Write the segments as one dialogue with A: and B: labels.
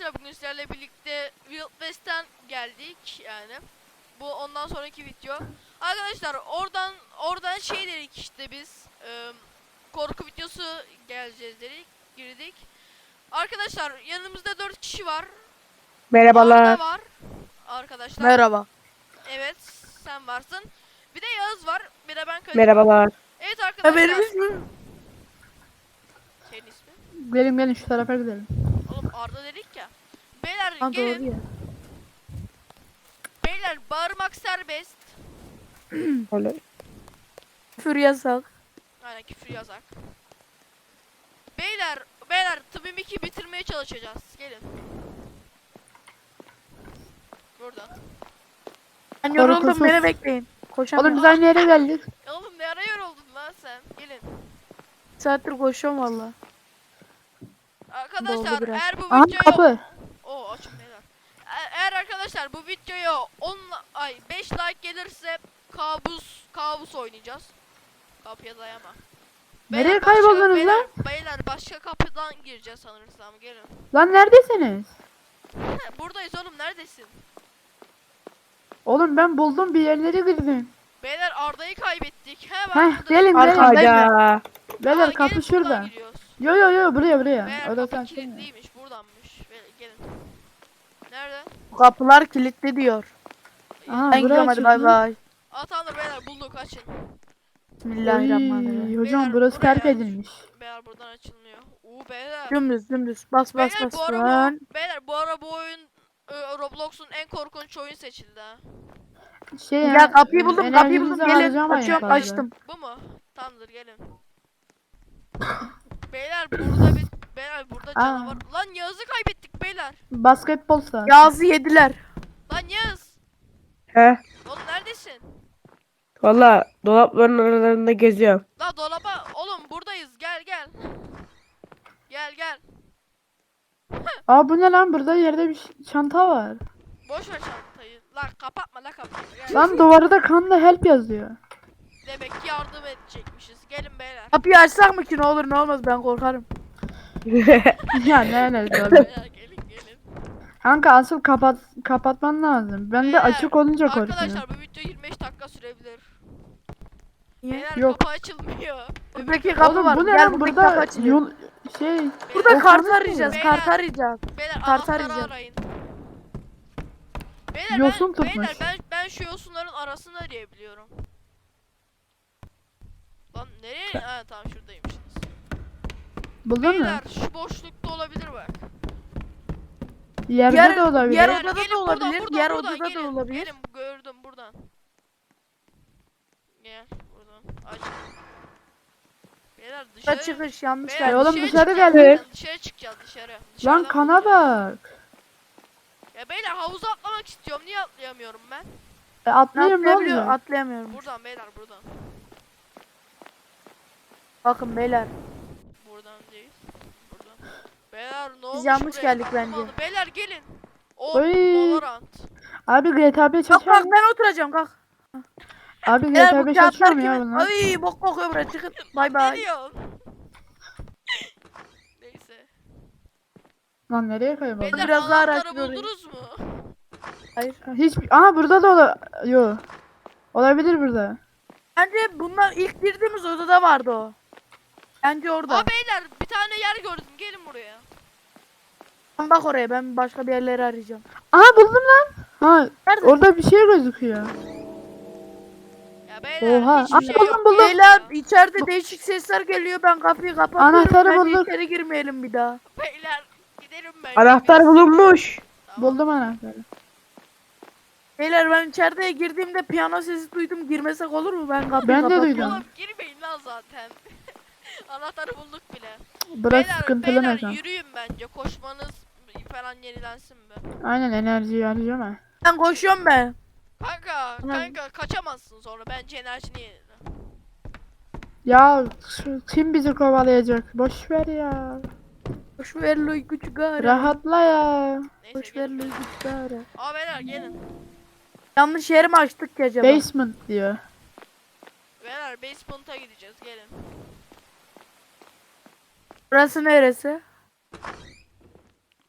A: arkadaşlar bugün sizlerle birlikte Wild West'ten geldik yani. Bu ondan sonraki video. Arkadaşlar oradan şey dedik işte biz korku videosu geleceğiz dedik, girdik. Arkadaşlar yanımızda 4 kişi var.
B: Merhabalar.
A: Arda var arkadaşlar.
C: Merhaba.
A: Evet, sen varsın. Bir de Yağız var. Bir de ben Kadir var.
B: Merhabalar.
A: Evet
C: Ha,
A: arkadaşlar.
C: benim ismim.
A: Senin ismin?
B: Gelin şu tarafa gidelim.
A: Oğlum Arda dedik ya. Beyler
C: Ha,
A: gelin.
C: doğru ya.
A: Beyler bağırmak serbest.
B: Öyle.
C: Küfür yasak.
A: Aynen küfür yazak. Beyler tıbbım 2 bitirmeye çalışacağız. Gelin. Buradan.
C: Ben yoruldum,
B: Korkusuz.
C: beni bekleyin. Koşamıyorum.
B: Oğlum biz aynı yere geldik.
A: Oğlum ne ara yoruldun lan sen? Gelin.
C: Bir saattir koşuyorum valla.
A: Arkadaşlar
C: Doldu biraz.
A: eğer bu
B: Aha
A: videoyu
B: kapı.
A: açın beyler. Eğer arkadaşlar bu videoya 5 like gelirse kabus oynayacağız. Kapıya dayama.
B: Nereye
A: Beyler,
B: kayboldunuz lan?
A: Beyler başka kapıdan gireceğiz sanırsam. Gelin.
B: Lan neredesiniz?
A: Buradayız oğlum, neredesin?
B: Oğlum ben buldum, bir yerlere girdim.
A: Beyler Arda'yı kaybettik. He
B: Heh,
A: ben buradayım.
B: gelin gelin.
C: Arkadayım
B: Hayda. Beyler
A: Aa,
B: kapı
A: gelin
B: şurada.
A: buradan giriyoruz.
B: Yo buraya.
A: Beyler
B: O da
A: kapı
B: sen
A: kilitliymiş, buradanmış. Beyler, gelin. Nerede?
C: Kapılar kilitli diyor.
B: Aha,
C: Ben gidiyorum, hadi bay bay.
A: Tamamdır beyler, bulduk, açın.
C: Bismillahirrahmanirrahim.
B: Hocam
A: Beyler,
B: burası
A: buraya
B: terk
A: aç.
B: edilmiş.
A: Beyler buradan açılmıyor. Beyler.
C: Dümdüz. Bas
A: Beyler bu ara
C: dön.
A: beyler bu oyun Roblox'un en korkunç oyun seçildi ha.
C: Ya kapıyı buldum,
B: enerjinizi
C: Gelin.
B: harcamayın
C: Kaçıyorum,
B: fazla.
C: kaçtım.
A: Bu mu? Tamamdır, gelin. Beyler burada canavar. Lan Yağız'ı kaybettik beyler.
B: Basketbol sahası.
C: Yağız'ı yediler.
A: Lan Yağız.
B: He.
A: Oğlum neredesin?
B: Valla dolapların aralarında geziyorum.
A: La dolaba. Oğlum buradayız. Gel. Gel.
B: Aa bu ne lan, burada yerde bir çanta var.
A: Boş ver çantayı. Lan kapatma kapıyı. Gel.
B: Lan duvarda kanla help yazıyor.
A: Demek ki yardım edecekmişiz. Gelin beyler.
C: Kapıyı açsak mı ki, ne olur ne olmaz, ben korkarım.
B: Ya ne abi.
A: Beyler gelin.
B: Kanka asıl kapatman lazım. Ben de
A: Beyler,
B: açık olunca korkuyorum.
A: Arkadaşlar bu video 25 dakika sürebilir.
C: Niye?
A: Beyler
B: Yok.
A: kapı açılmıyor.
C: Buradaki kapı
B: Oğlum
C: var.
B: bu ne
C: Gel,
B: lan,
C: buradaki
B: burada
C: kapı açılıyor.
B: yol şey.
C: Burada
B: o
C: kart
B: konu mu?
C: arayacağız.
A: Beyler.
C: Kart arayacağız.
A: Beyler
C: Kart
A: anahtarı
C: arayacağım.
A: arayın. Beyler
B: Yosun tutmuş.
A: beyler ben şu yosunların arasını arayabiliyorum. Lan nereye? Ha tamam, şuradaymışsınız.
B: Buldun mu?
A: Beyler şu boşlukta olabilir bak.
B: Yerde de olabilir.
C: diğer
A: Beyler,
C: odada
A: gelin
C: da olabilir,
A: buradan,
C: diğer
A: buradan,
C: odada da
A: gelin.
C: olabilir.
A: Gelin, gördüm buradan. Gel buradan. Aç. Beyler
C: Dışarı
A: dışarı.
C: çıkış yanlış
A: Beyler,
C: geldi.
B: oğlum dışarı
A: çıkacağız,
B: geldik.
A: Dışarı çıkacağız dışarı.
B: Lan
A: Dışarıdan
B: kana
A: bulacağız.
B: bak.
A: Ya beyler havuza atlamak istiyorum. Niye atlayamıyorum ben?
B: Atlayayım ne
C: Atlayabiliyor,
B: oluyor?
C: atlayamıyorum.
A: Buradan beyler, buradan.
C: Bakın beyler.
A: Buradan değil. Buradan. Beyler ne olmuş
C: yanlış
A: buraya?
C: geldik
A: Aklım
C: bence.
A: aldı. Beyler gelin.
B: Oy.
A: Valorant.
B: Abi GTA 5
C: Kalk
B: açıyor mu?
C: ben oturacağım, kalk.
B: Abi
C: Beyler
B: GTA
C: bu
B: 5 açıyor
C: kağıtlar
B: mu ya
C: kimin?
B: bunlar?
C: Ay bok kokuyor buraya, çıkın. Bay
A: Ne
C: bay.
A: diyorsun? Neyse.
B: Lan nereye kayboldun?
A: Beyler
C: Biraz daha
A: anahtarı
C: araştır orayı.
A: buldunuz mu?
C: Hayır.
B: Aha burada da yo. Olabilir burada.
C: Bence bunlar ilk girdiğimiz odada vardı o. Bence orada.
A: Aa beyler bir tane yer gördüm. Gelin buraya.
C: Sen bak oraya, ben başka bir yerleri arayacağım.
B: Aha buldum lan. Ha
C: Nerede?
B: orada bir şey gözüküyor.
A: Ya beyler
B: Oha.
A: hiçbir şey
B: Buldum,
A: yok.
B: buldum.
C: Beyler içeride değişik sesler geliyor, ben kapıyı kapatıyorum.
B: Anahtarı
C: Bence
B: bulduk.
C: içeri girmeyelim bir daha.
A: Beyler gidelim ben.
B: Anahtar bulunmuş.
A: Tamam.
B: Buldum anahtarı.
C: Beyler ben içeriye girdiğimde piyano sesi duydum, girmesek olur mu? Ben kapıyı
B: Ben de
C: kapatıyorum.
B: duydum.
A: Oğlum girmeyin lan zaten. Anahtarı bulduk bile.
B: Burası sıkıntılı
A: beyler
B: mekan.
A: yürüyün bence. Koşmanız falan yenilensin be.
B: Aynen enerjiyi harcama.
C: Ben koşuyorum ben.
A: Kanka kaçamazsın sonra. Bence enerjini yenile.
B: Ya kim bizi kovalayacak? Boş ver ya.
C: Boş ver loy küçük ara.
B: Rahatla ya.
A: Neyse
C: Boş ver
A: gelin.
C: loy küçük ara.
A: Aa beyler gelin.
C: Yanlış yeri mi açtık ki acaba?
B: Basement diyor.
A: Beyler basement'a gideceğiz. Gelin.
C: Burası neresi?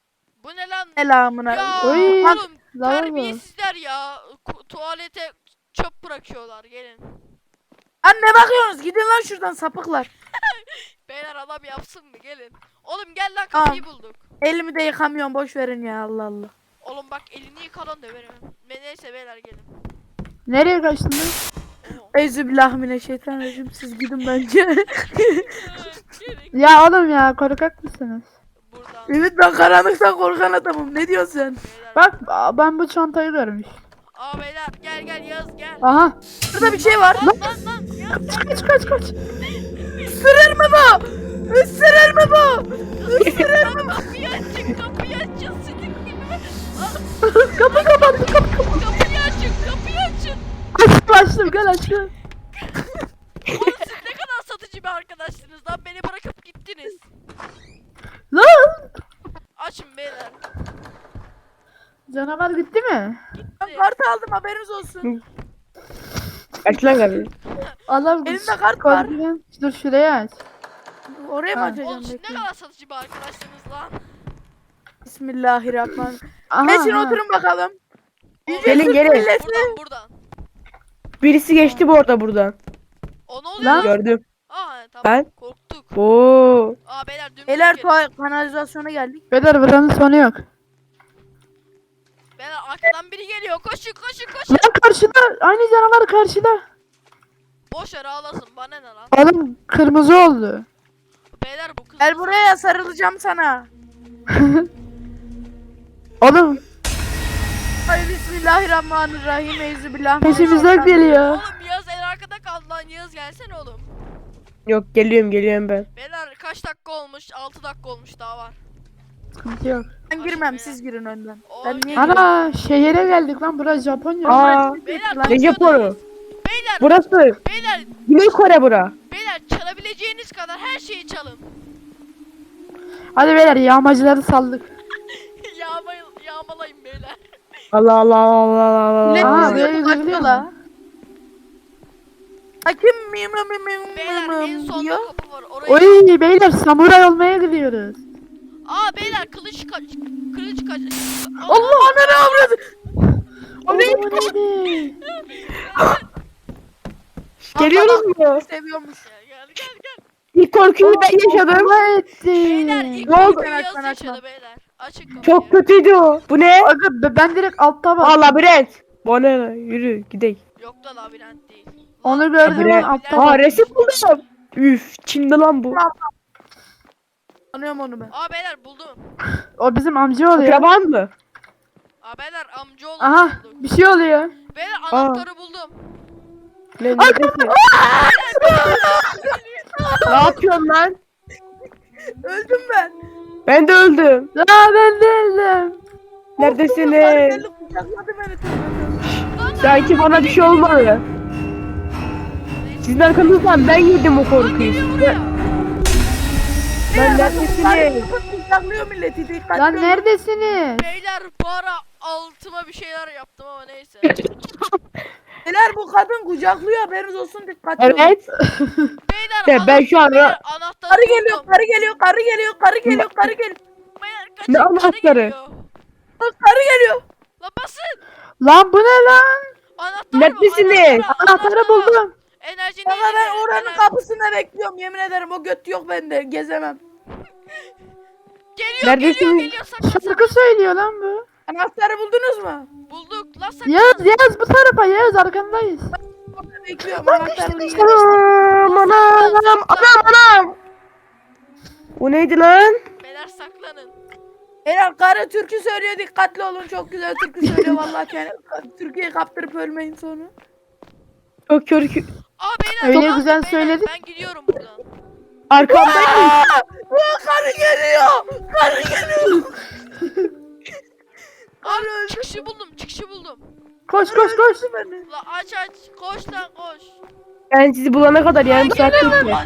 A: Bu ne lan?
C: Selamına.
A: Ya
B: Oy.
A: oğlum
B: Lavabo.
A: terbiyesizler ya. Tuvalete çöp bırakıyorlar gelin.
C: Anne bakıyorsunuz gidin lan şuradan sapıklar.
A: Beyler adam yapsın mı gelin. Oğlum gel lan
C: Tamam.
A: kapıyı bulduk.
C: Elimi de yıkamıyorum boş verin ya Allah Allah.
A: Oğlum bak elini yıkadan döverim. Neyse beyler gelin.
B: Nereye kaçtın lan?
A: Oo.
C: Euzubillahimineşşeytanirracim siz gidin bence.
A: Gelin
B: Ya oğlum ya korkak mısınız?
A: buradan.
C: Evet ben karanlıktan korkan adamım ne diyorsun sen?
A: Beyler.
B: Bak ben bu çantayı görmüş.
A: Aa beyler gel Yağız gel.
B: Aha.
C: Burada bir şey var.
A: Lan Yağız.
B: Kaç.
C: Isırır mı bu? Isırır mı bu?
A: Kapıyı açın sidik gibi.
B: Kapı kapandı kapı.
A: Kapıyı açın.
B: Açtım gel açtım.
A: Oğlum siz ne kadar satıcı bir arkadaşsınız lan beni bırakıp gittiniz.
B: Lan.
A: Açın beyler.
B: Canavar gitti mi?
C: Ben kart aldım haberiniz olsun.
D: Aç lan kapıyı.
B: Allah
C: Elimde kart var.
B: Dur şuraya aç.
C: Oraya mı
B: Ha.
C: açacağım?
A: Oğlum siz ne
C: bekle.
A: kadar satıcı bir arkadaşsınız lan.
C: Bismillahirrahmanirrahim.
B: Aha,
C: Geçin
B: aha.
C: oturun bakalım.
D: Gelin gelin.
A: Buradan.
D: Birisi geçti bu arada buradan.
A: O ne oluyor
B: Lan.
A: lan?
D: Gördüm.
A: Aa he, tamam
D: Ben-
A: korktuk.
D: Oo.
A: Aa beyler dümdüz
C: Beyler
A: gelin.
C: kanalizasyona geldik.
B: Beyler buranın sonu yok.
A: Beyler arkadan biri geliyor koşun.
B: Lan karşıda aynı canavar karşıda.
A: Boş ver ağlasın bana ne lan.
B: Oğlum kırmızı oldu.
A: Beyler bu kız.
C: Gel buraya sarılacağım sana.
B: Oğlum
C: Ay bismillahirrahmanirrahim. Eyzubillah.
B: peşimizden geliyor.
A: Oğlum Yağız en arkada kaldı lan Yağız gelsene oğlum.
D: Yok geliyorum ben.
A: Beyler kaç dakika olmuş? 6 dakika olmuş daha var.
B: Sıkıntı yok.
C: Ben girmem siz girin önden. Ben
A: Oy.
C: niye
B: Ana şehire geldik lan burası Japonya.
D: Aa.
A: Beyler
D: Ne Japonu?
A: Beyler
D: Burası.
A: beyler
D: Güney Kore bura.
A: beyler çalabileceğiniz kadar her şeyi çalın.
B: Hadi beyler yağmacıları saldık.
A: Yağmalayın beyler.
D: Allah Allah Allah Allah
C: Ne
B: Aa,
D: Allah.
B: böyle
C: diyorsun?
B: gidebiliyor
C: Açıyorlar.
B: mu?
C: Hakim
A: Beyler en sonda
C: diyor.
A: kapı var. Oraya.
B: Oy beyler samuray olmaya gidiyoruz.
A: Aa beyler kılıç kaç.
C: Allah ananı avradı.
B: O neydi?
D: Geliyoruz mu?
C: Seviyormuş.
A: Gel.
D: İlk korkuyu ben yaşadım.
B: Allah etti.
A: Beyler ilk
D: Ne oldu?
A: korkuyu
C: Açma,
A: Yağız
C: açma.
A: yaşadı beyler. Açın kapıyı.
D: Çok kötüydü o. Bu ne?
B: Aga ben direkt altta bak.
D: Aa labirent. Bu ne? Yürü gidelim.
A: Yok da labirent değil.
B: Onu gördüm
D: Labirent.
B: lan altta
D: Aa
B: bak.
D: resim buldum. Üf Çin'de lan bu.
C: Tanıyorum onu ben.
A: Aa beyler buldum.
B: O bizim amca oluyor.
D: Akraban mı?
A: Aa beyler amcaoğlu
B: Aha
A: bulduk.
B: bir şey oluyor.
A: Beyler anahtarı buldum.
D: Ne neredesin? Ne yapıyorsun lan?
C: Öldüm ben.
D: Ben de öldüm.
B: La ben değilim.
D: Neredesiniz?
C: Geldi kucakladı beni. tövbe.
D: Sanki bana bir şey olmadı. Sizin arkanızdan ben yedim o
A: Lan
D: korkuyu.
A: geliyor buraya.
D: Lan
C: Beyler,
D: neredesiniz?
C: kucaklıyor milleti. Dikkatli
B: Lan
C: olun.
B: neredesiniz?
A: Beyler bu ara altıma bir şeyler yaptım ama neyse.
C: Beyler bu kadın kucaklıyor haberiniz olsun dikkatli olun.
D: Evet.
A: Beyler
D: Ben şu an
A: beyler, anahtarı
C: Karı geliyor,
A: buldum.
C: karı geliyor, karı geliyor, karı geliyor, karı geliyor.
A: Beyler kaçın
D: Ne
A: karı
D: anahtarı?
A: geliyor.
C: Bak, karı geliyor.
A: Lan basın.
B: Lan bu ne lan?
A: Anahtar
D: Neredesiniz?
B: Anahtarı buldum.
A: Enerji
C: Baba
A: neydi?
C: ben oranın kapısında bekliyorum yemin ederim o göt yok bende gezemem.
A: Geliyor
D: Neredesiniz?
A: saklan saklan.
B: Şarkı söylüyor lan bu.
C: Anahtarı buldunuz mu?
A: Bulduk lan saklan.
B: Yağız bu tarafa Yağız arkandayız.
C: Orada bekliyorum anahtarı.
D: Anam anam. O neydi lan?
A: Beyler saklanın.
C: Beyler karı türkü söylüyor dikkatli olun çok güzel türkü söylüyor vallahi Türkiye'yi kaptırıp ölmeyin sonra.
D: Çok körkü.
A: Aa beyler.
B: Öyle
A: tamam,
B: güzel
A: beyler,
B: söyledin.
A: Ben gidiyorum buradan.
D: Arkamdayım.
C: Aa, karı geliyor. Karı geliyor.
A: Aa çıkışı buldum.
B: Koş koş koş.
C: Beni.
A: La aç koş lan koş.
D: Ben sizi bulana kadar yarım saat geçti.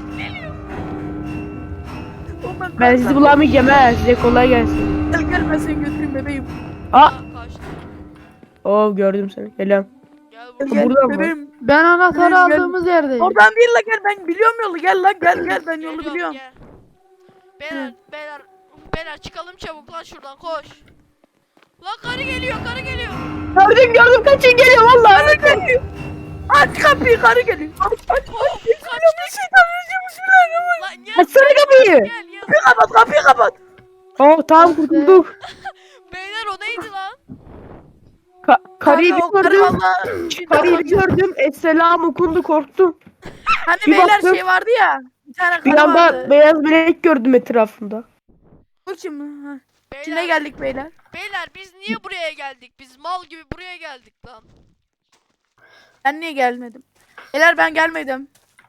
D: Ben sizi bulamayacağım ha. Size kolay gelsin.
C: Gel ben seni götüreyim bebeğim.
D: Aa.
A: Kaçtı.
D: Oo gördüm seni. Selam.
A: Gel
C: Gel,
A: buraya.
D: Buradan mı?
C: bebeğim.
B: Ben anahtarı
C: Gel, gel.
B: aldığımız yerdeyim.
C: Oradan değil la gel ben biliyorum yolu gel lan gel ben yolu
A: Geliyorum,
C: biliyorum.
A: gel. Beyler beyler çıkalım çabuk lan şuradan koş. Lan karı geliyor karı geliyor.
D: Gördüm kaçın geliyor vallahi.
C: Karı geliyor. Aç kapıyı, karı geliyor. Aç. Bismillahirrahmanirrahim. Bismillahirrahmanirrahim.
A: Lan gel.
D: Açsana kapıyı.
A: Gel gel.
C: Kapıyı kapat, kapıyı kapat.
D: Oh tamam kurtulduk.
A: Beyler o neydi lan?
D: Karıyı
C: Kanka, o karı
D: gördüm.
C: vallahi-
D: Karıyı gördüm. Esselam okundu korktum.
C: Hani
D: Bir
C: beyler
D: baktım.
C: şey vardı ya. Bir tane
D: Bir
C: karı
D: anda
C: vardı.
D: beyaz melek gördüm etrafımda.
C: Bu kim? Ha. İçine
A: Beyler,
C: geldik beyler.
A: beyler biz niye buraya geldik? Biz mal gibi buraya geldik lan.
C: Ben niye gelmedim? Beyler ben gelmedim.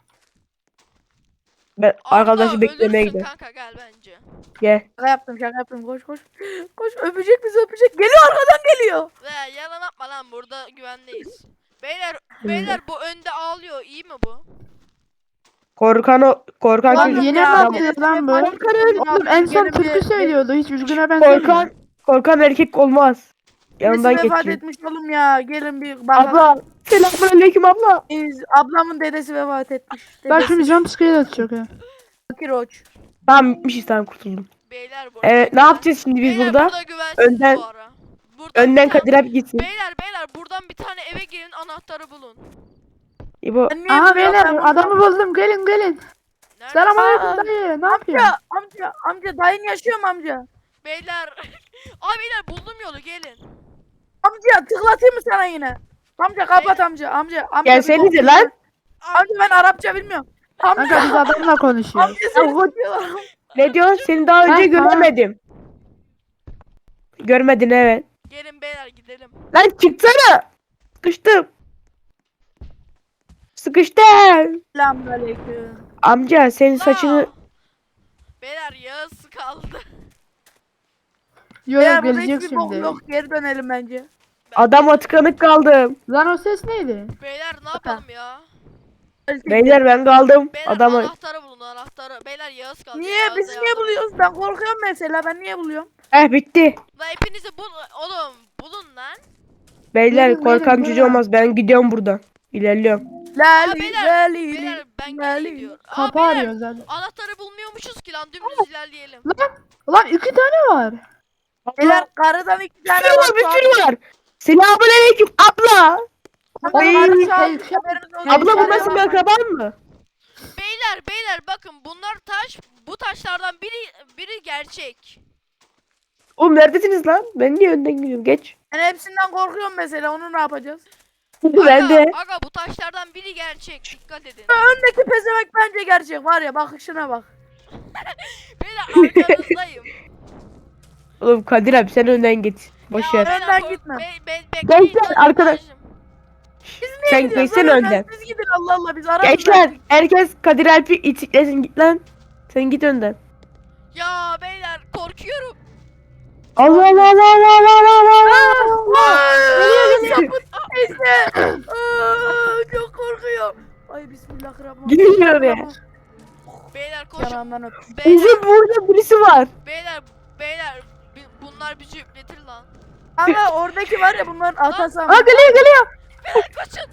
D: Ben arkadaşı
A: Arda,
D: beklemeye
A: ölürsün
D: gidiyorum.
A: kanka gel bence.
D: Gel.
C: Şaka yaptım. Koş koş. Koş, öpecek bizi, öpecek. Geliyor, arkadan geliyor.
A: Ve yalan atma lan burada güvendeyiz. Beyler bu önde ağlıyor iyi mi bu?
D: Korkan
B: Lan
D: çocuk.
B: yeni
C: ya,
B: mi
C: adam-
B: atıyor lan bu?
C: Korkarım.
B: Oğlum en son
C: Yeni
B: türkü
C: bir-
B: söylüyordu. Hiç üzgüne benzemiyor.
D: Korkan erkek olmaz. Yanından
C: Birisi vefat
D: geçeyim.
C: etmiş oğlum ya. Gelin bir bakalım.
D: Abla. Selamünaleyküm abla.
C: Ablamın dedesi vefat etmiş.
B: Bak
C: Dedesi.
B: şimdi jump scare atacak ha.
C: Fakir Oç.
D: Tamam bitmişiz tamam kurtuldum.
A: Beyler burada.
D: Evet ne yapacağız şimdi biz
A: Beyler
D: burada?
A: güvensiz
D: Önden-
A: bu ara. Buradan
D: Önden
A: bir tane-
D: Kadir abi gitsin.
A: Beyler buradan bir tane eve girin anahtarı bulun.
D: İbo.
C: Ben niye
B: Aha
C: biliyorum,
B: beyler
C: ben bunu-
B: adamı buldum. Gelin gelin.
A: Nerede?
B: Selamünaleyküm dayı. Ne yapıyorsun?
C: Amca dayın yaşıyor mu amca?
A: Beyler. Aa beyler buldum yolu gelin.
C: Amca tıklatayım mı sana yine? Amca kapat amca.
D: Gelsenize
C: bir
D: lan.
C: Amca ben Arapça bilmiyorum.
B: Kanka
C: Amca.
B: biz adamla konuşuyoruz.
C: Amca seni tutuyorlar.
D: Ne diyorsun? Seni daha önce
B: Ha, tamam.
D: göremedim. Görmedin evet.
A: Gelin beyler gidelim.
D: Lan çıksana. Sıkıştım. Sıkıştım.
C: Selamünaleyküm.
D: Amca senin saçını...
A: Aa! Beyler Yağız kaldı.
B: Yo yo
C: Beyler burada
B: gelecek
C: hiçbir bok
B: şimdi.
C: yok. Geri dönelim bence.
D: Adama tıkanık kaldım.
B: Lan o ses neydi?
A: Beyler ne yapalım ya?
D: Beyler ben kaldım.
A: Beyler
D: Adama...
A: anahtarı bulun anahtarı. Beyler Yağız kaldı.
C: Niye?
A: Yağız'a
C: Biz niye
A: yardım-
C: buluyoruz? Ben korkuyorum mesela. Ben niye buluyorum?
D: Bitti.
A: Lan hepinizi bul oğlum bulun lan.
D: Beyler
B: Verin,
D: korkan
B: verin,
D: çocuğu
B: verin.
D: olmaz. Ben gidiyorum buradan. İlerliyorum.
C: Lali
A: beyler,
C: lali
A: Beyler ben
C: lali.
A: gidiyor. Aa
B: Kapı
A: beyler
B: arıyor zaten.
A: anahtarı bulmuyormuşuz ki lan dümdüz ilerleyelim.
B: Lan 2 tane var.
C: Beyler karıdan 2
D: Bir
C: tane
D: sürü var, bir
C: var.
D: sürü var. Selamünaleyküm abla.
C: Abla,
B: Ay,
C: karı şu an
B: şey, şey-
C: haberiniz olsun.
D: Abla bu
C: Bir tane
D: nasıl bir
C: var.
D: akraban mı?
A: Beyler bakın bunlar taş. Bu taşlardan biri gerçek.
D: Oğlum neredesiniz lan? Ben niye önden gidiyorum? Geç.
C: Ben hepsinden korkuyorum mesela. Onu ne yapacağız?
D: Ben de.
A: Aga bu taşlardan biri gerçek. Dikkat edin.
C: Öndeki pezevenk bence gerçek. Var ya bakışına bak.
A: Beyler arkanızdayım.
D: Oğlum Kadir abi sen önden git. Boş
A: Ya
D: ver.
A: beyler,
C: Önden
A: kork-
C: gitme.
A: bekleyin
D: Gençler,
A: lan,
D: arkadaş.
A: kardeşim.
D: Sen
C: Gidiyoruz
D: geçsene
C: lan
D: önden.
C: Siz gidin Allah Allah biz ararız.
D: Gençler herkes Kadir Alp'i itiklesin git lan. Sen git önden.
A: Ya beyler korkuyorum.
D: Allah Allah Allah Allah Allah Allah.
C: Sapıt teyze. Çok korkuyorum. Ay bismillahirrahmanirrahim.
D: Gidin oraya.
A: Beyler koşun.
C: Yanağından öp.
A: Beyler
D: Bizim burada birisi var.
A: beyler bunlar bizi üpletir lan.
C: Ama oradaki var ya bunların atası ama.
B: Aa geliyor.
A: Kaçın.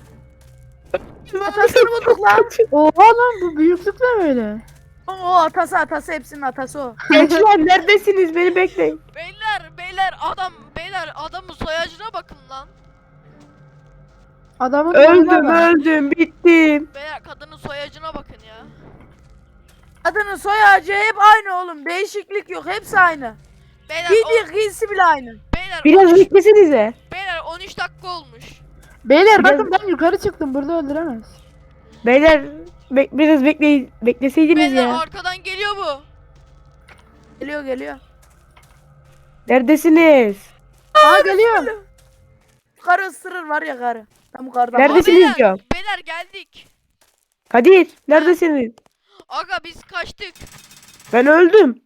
C: Atasını bulduk lan.
B: Oha lan bu büyüklük ne böyle?
C: O atası hepsinin atası o.
D: Gençler neredesiniz? Beni bekleyin.
A: Beyler adamın soyacına bakın lan.
B: Adamın boyuna bak.
D: Öldüm bittim.
A: Beyler kadının soyacına bakın ya.
C: Adının soy ağacı hep aynı oğlum. Değişiklik yok. Hepsi aynı.
A: Beyler
C: Giysisi bile aynı.
D: Biraz beklesenize.
A: Beyler 13 dakika olmuş.
B: Beyler
D: Biraz-
B: bakın ben yukarı çıktım. Burada öldüremez.
D: Beyler biraz bekleseydiniz
A: Beyler
D: ya.
A: arkadan geliyor bu.
C: Geliyor.
D: Neredesiniz?
B: Aa geliyor.
C: Karı ısırır var ya karı. Ben bu karıdan
D: Neredesiniz
A: beyler,
D: diyorum.
A: beyler geldik.
D: Kadir neredesiniz?
A: Aga biz kaçtık.
D: Ben öldüm.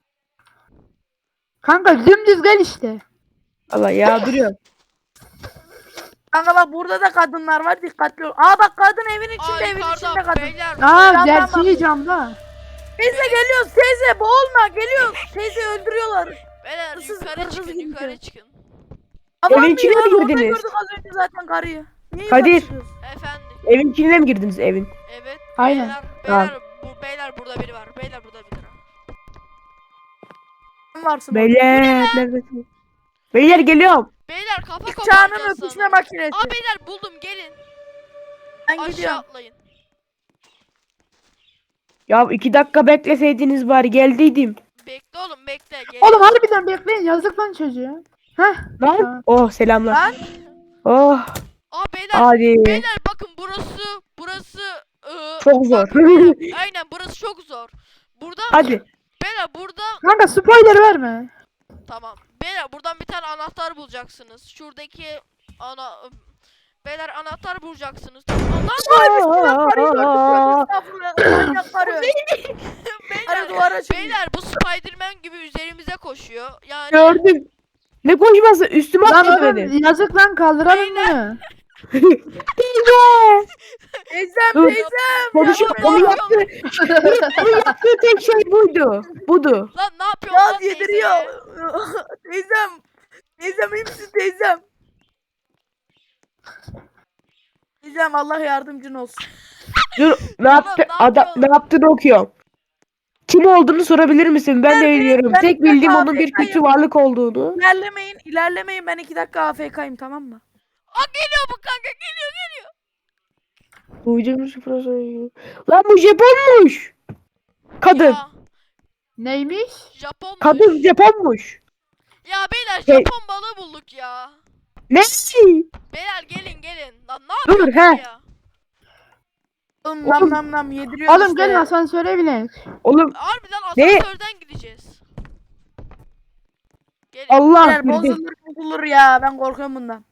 B: Kanka dümdüz gel işte.
D: Allah ya duruyorum.
C: Kanka bak burada da kadınlar var dikkatli ol. Aa bak kadın evin
A: Aa
C: içinde evin içinde
A: yukarıda
C: kadın.
A: beyler.
B: Aa
C: Camdan
B: gerçeği camda.
C: Teyze geliyoruz teyze boğulma geliyoruz. Teyze öldürüyorlar.
A: Beyler
C: Hırsız-
A: yukarı
C: hırsız
A: çıkın
C: gidiyor.
A: yukarı çıkın.
C: Aman
D: Evin içine
C: bir ya,
D: mi
C: orada
D: girdiniz?
C: gördük az önce zaten karıyı. Niye
D: Kadir.
C: yukarı çıkıyoruz?
A: Efendim.
D: Evin içine mi girdiniz evin?
A: Evet.
B: Aynen.
A: Beyler burada biri var. Beyler burada biri var.
C: sen varsın.
D: Beyler neredesin? Beyler geliyorum.
A: Beyler kafa
C: İlk çağının
A: koparacağız
C: öpüşme
A: sana.
C: makinesi.
A: Aa beyler buldum gelin.
C: Ben
A: Aşağı
C: gidiyorum.
A: atlayın.
D: Ya 2 dakika bekleseydiniz bari geldiydim.
A: Bekle oğlum bekle. Gelin.
B: Oğlum harbiden bekleyin yazık lan çocuğa. Heh.
D: Lan.
B: Tamam.
D: Oh selamlar.
C: Lan
D: Oh
A: Aa beyler.
D: hadi.
A: Beyler bakın burası
D: Çok zor.
A: bak, beyler, aynen burası çok zor. Burada
D: Hadi.
A: beyler burada
B: Kanka spoiler verme.
A: tamam. Beyler buradan bir tane anahtar bulacaksınız. Şuradaki beyler anahtar bulacaksınız.
C: estağfurullah. Manyak karı. Karı
A: beyler,
C: duvara çıkıyor.
A: beyler bu Spiderman gibi üzerimize koşuyor. Yani
D: Gördüm. Ne koşması? Üstüme
B: Lan
D: atladı
B: oğlum
D: beni.
B: yazık lan kaldıralım
A: Beyler.
B: bunu.
C: Teyzem
D: Dur.
C: teyzem.
D: Konuşuyor.
A: Ya,
D: Onu
A: ya.
D: yaptı. Onu yaptığı tek şey buydu. Budu.
A: lan ne yapıyorsun lan
C: Yaz yediriyor.
A: teyzeye?
C: Teyzem. Teyzem iyi misin teyzem? Teyzem Allah yardımcın olsun.
D: Dur. Ne yaptı?
A: ne
D: Adam
A: yapıyor?
D: ne yaptığını okuyorum. Kim olduğunu sorabilir misin? Ben de bilmiyorum.
C: ben
D: Tek
C: de
D: bildiğim onun bir
C: AFK'yim.
D: kötü varlık olduğunu.
C: İlerlemeyin ben 2 dakika AFK'yim tamam mı?
A: Aa geliyor bu kanka geliyor.
D: Duyduğum sıfıra sayıyor. Lan bu Japonmuş. Kadın.
A: Ya,
B: Neymiş?
A: Japonmuş.
D: Kadın Japonmuş.
A: Ya beyler
D: Hey.
A: Japon balığı bulduk ya.
D: Ne?
A: Beyler gelin. Lan ne
D: Dur,
A: yapıyorsun
D: he.
A: ya?
C: Oğlum
D: Oğlum.
C: nam yediriyor
B: Oğlum
C: işte.
B: gelin asansöre binelim.
D: Oğlum
A: Harbiden
D: Ne?
A: asansörden gideceğiz. Gelin.
D: Allah
C: Beyler
D: girdi.
C: bozulur ya ben korkuyorum bundan.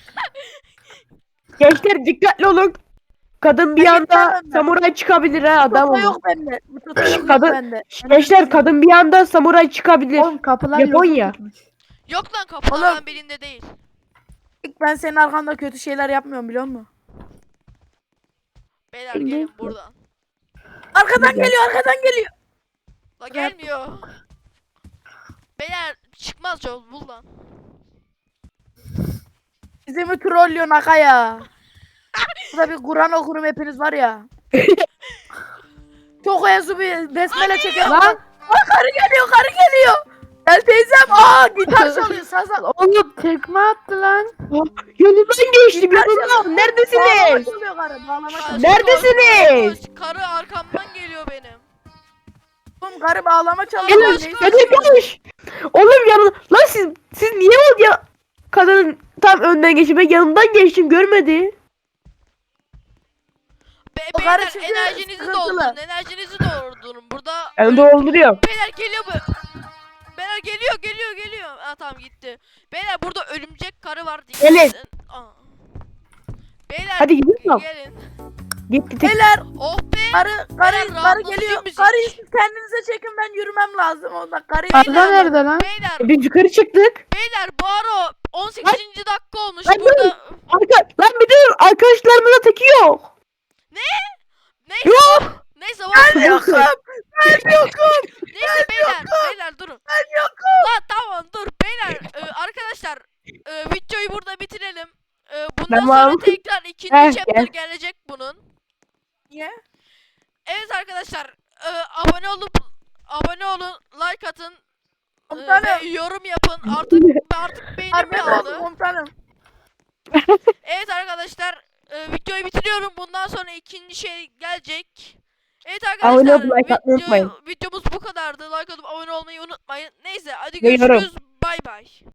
D: Gençler dikkatli olun. Kadın bir
C: Ben
D: anda
C: gitmem ben.
D: samuray çıkabilir ha adam
C: Toto
D: olun.
C: yok bende. Bu Toto yok
D: Kadın-
C: bende.
D: Gençler kadın bir anda samuray çıkabilir.
B: Oğlum kapılar
D: Japonya.
B: yok tutmuş.
A: Yok lan kapılardan
C: Oğlum.
A: birinde değil.
C: Ben senin arkanda kötü şeyler yapmıyorum biliyor musun?
A: Beyler
D: Bilmiyorum.
A: gelin buradan.
C: Arkadan
D: Güzel.
C: arkadan geliyor.
A: La gelmiyor. Beyler çıkmaz yol bul lan.
C: Bizi mi trollüyorsun Aka ya? Burada bir Kur'an okurum hepiniz var ya. Çok ezu bir besmele çekiyor.
B: Lan
C: Karı geliyor. Gel teyzem. Gitar çalıyor sazan.
B: oğlum tekme attı lan.
D: Yolundan geçtim yolundan.
C: Bağlama
D: Neredesiniz?
C: çalıyor karı. Bağlama
A: Koş,
C: çalıyor.
D: Neredesiniz?
A: koş. Karı arkamdan geliyor benim.
C: Oğlum karı bağlama çalıyor.
A: Gel,
C: Neyse.
D: Hadi koş. Oğlum yanına. Lan siz niye oldu ya? Kadının tam önden geçip ben yanından geçtim görmedi.
C: O
A: Beyler
C: karı çünkü
A: enerjinizi
C: sıkıntılı.
A: doldurun. Burada
D: Ben dolduruyorum.
A: beyler geliyor bu. Beyler geliyor. Aa tamam gitti. Beyler burada örümcek karı var. Dikkat
D: Gelin.
A: edin. Aa. Beyler
D: Hadi gidiyorum.
A: gelin.
D: Gitti tek.
C: Beyler
A: Oh be.
C: karı
A: Beyler, rahatlatıcı
C: geliyor.
A: müzik.
C: Karıyı siz kendinize çekin ben yürümem lazım. Onda karıyı
B: Arda nerede lan?
A: Beyler
D: Biz yukarı çıktık.
A: bu ara 18. dakika olmuş
D: Lan
A: burada.
D: Lan bir de arkadaşlarımızın teki yok.
A: Neyse.
D: Yok.
A: Neyse
C: Ben yokum.
A: Neyse beyler durun.
C: Ben yokum.
A: Lan tamam dur beyler arkadaşlar videoyu burada bitirelim. Bundan
D: Tamam.
A: sonra tekrar ikinci
D: Heh,
A: chapter
D: gel.
A: gelecek bunun.
C: Niye?
A: Evet arkadaşlar abone olun, like atın
C: Komutanım.
A: ve yorum yapın. Artık beynim
C: Harbi oldu
A: yağlı.
C: komutanım.
A: Evet arkadaşlar videoyu bitiriyorum. Bundan sonra ikinci şey gelecek. Evet
D: Abone
A: arkadaşlar
D: olup like atmayı unutmayın.
A: videomuz bu kadardı. Like atıp abone olmayı unutmayın. Neyse hadi
D: Ve yorum.
A: görüşürüz. Bay bay.